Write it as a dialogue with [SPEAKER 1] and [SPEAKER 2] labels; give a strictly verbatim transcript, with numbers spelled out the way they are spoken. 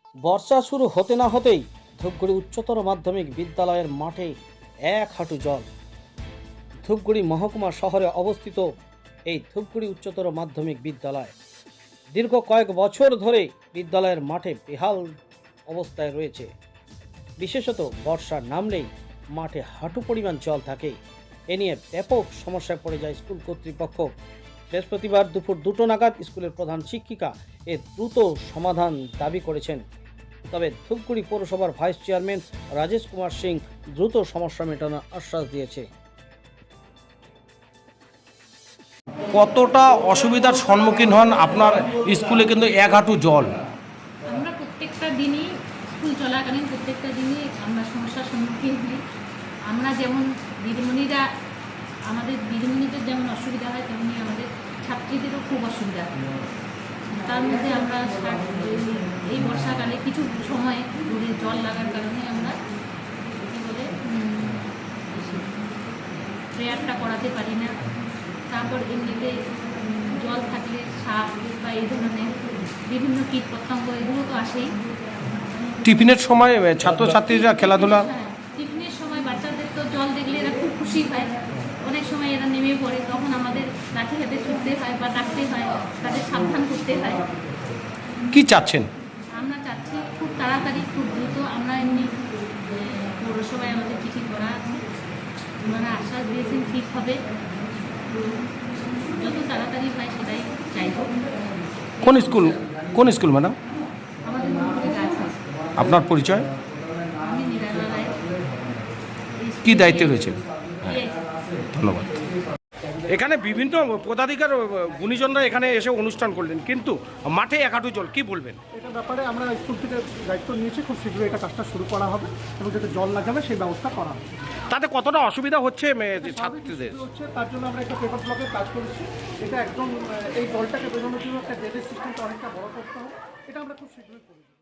[SPEAKER 1] বর্ষা শুরু হতে না হতেই ধূপগুড়ি উচ্চতর মাধ্যমিক বিদ্যালয়ের মাঠে এক হাঁটু জল। ধূপগুড়ি মহকুমা শহরে অবস্থিত এই ধূপগুড়ি উচ্চতর মাধ্যমিক বিদ্যালয় দীর্ঘ কয়েক বছর ধরে বিদ্যালয়ের মাঠে বেহাল অবস্থায় রয়েছে। বিশেষত বর্ষা নামলেই মাঠে হাঁটু পরিমাণ জল থাকে। এ নিয়ে ব্যাপক সমস্যায় পড়ে যায় স্কুল কর্তৃপক্ষ। বৃহস্পতিবার দুপুর দুটো নাগাদ স্কুলের প্রধান শিক্ষিকা এর দ্রুত সমাধান দাবি করেছেন। তবে ধূপগুড়ি পৌরসভার ভাইস চেয়ারম্যান রাজেশ কুমার সিং দ্রুত সমস্যা মেটানোর আশ্বাস দিয়েছে।
[SPEAKER 2] কতটা অসুবিধার সম্মুখীন হন আপনার স্কুলে? কিন্তু এক হাঁটু জল।
[SPEAKER 3] আমরা প্রত্যেকটা দিনই স্কুল চলাকালীন প্রত্যেকটা দিনই আমরা সমস্যার সম্মুখীন হই। আমরা যেমন দিদিমণিরা আমাদের দিদিমণিদের যেমন অসুবিধা হয়, তেমনি আমাদের ছাত্রীদেরও খুব অসুবিধা হয়। তার মধ্যে আমরা এই বর্ষাকালে কিছু সময় দূরে জল লাগার কারণে আমরা কী বলে প্রেয়ারটা করাতে পারি না। তারপর এমনিতে জল থাকলে সাপ বা এই ধরনের বিভিন্ন কীট পতঙ্গ এগুলো তো আসেই।
[SPEAKER 2] টিফিনের সময় ছাত্রছাত্রীরা খেলাধুলা,
[SPEAKER 3] হ্যাঁ, টিফিনের সময় বাচ্চাদের তো জল দেখলে এরা খুব খুশি হয়। অনেক সময় এরা নেমে পড়ে, তখন আমাদের লাঠি হাতে ছুটতে হয় বা ডাকতে হয়, তাদের সাবধান করতে হয়।
[SPEAKER 2] কি চাচ্ছেন?
[SPEAKER 3] আমরা চাচ্ছি খুব তাড়াতাড়ি খুব দ্রুত, আমরা এমনি পৌরসভায় আমাদের চিঠি করা আছে, ওনারা আশ্বাস দিয়েছেন ঠিক হবে, তো যত তাড়াতাড়ি হয় সেটাই চাইব।
[SPEAKER 2] কোন স্কুল কোন স্কুল ম্যাডাম?
[SPEAKER 3] আমাদের মধ্যে কাজ আছে।
[SPEAKER 2] আপনার পরিচয়?
[SPEAKER 3] আমি নিরালা রায়।
[SPEAKER 2] কি দায়িত্বে রয়েছে? ধন্যবাদ। এখানে বিভিন্ন পদাধিকার গুণীজনরা এখানে এসে অনুষ্ঠান করলেন, কিন্তু মাঠে এক হাঁটু জল, কি বলবেন?
[SPEAKER 4] এটা ব্যাপারে আমরা স্কুল থেকে দায়িত্ব নিয়েছি, খুব শীঘ্রই এটা কাজটা শুরু করা হবে এবং যাতে জল না যাবে সেই ব্যবস্থা করা হবে।
[SPEAKER 2] তাতে কতটা অসুবিধা হচ্ছে ছাত্রীদের?
[SPEAKER 4] হচ্ছে তার জন্য আমরা একটা পেপার ব্লকের কাজ করেছি। এটা একদম এই জলটাকে বেরোনোর জন্য একটা ড্রেনেজ সিস্টেমটা অনেকটা বড় করতে হবে, এটা আমরা খুব শীঘ্রই করে দেবো।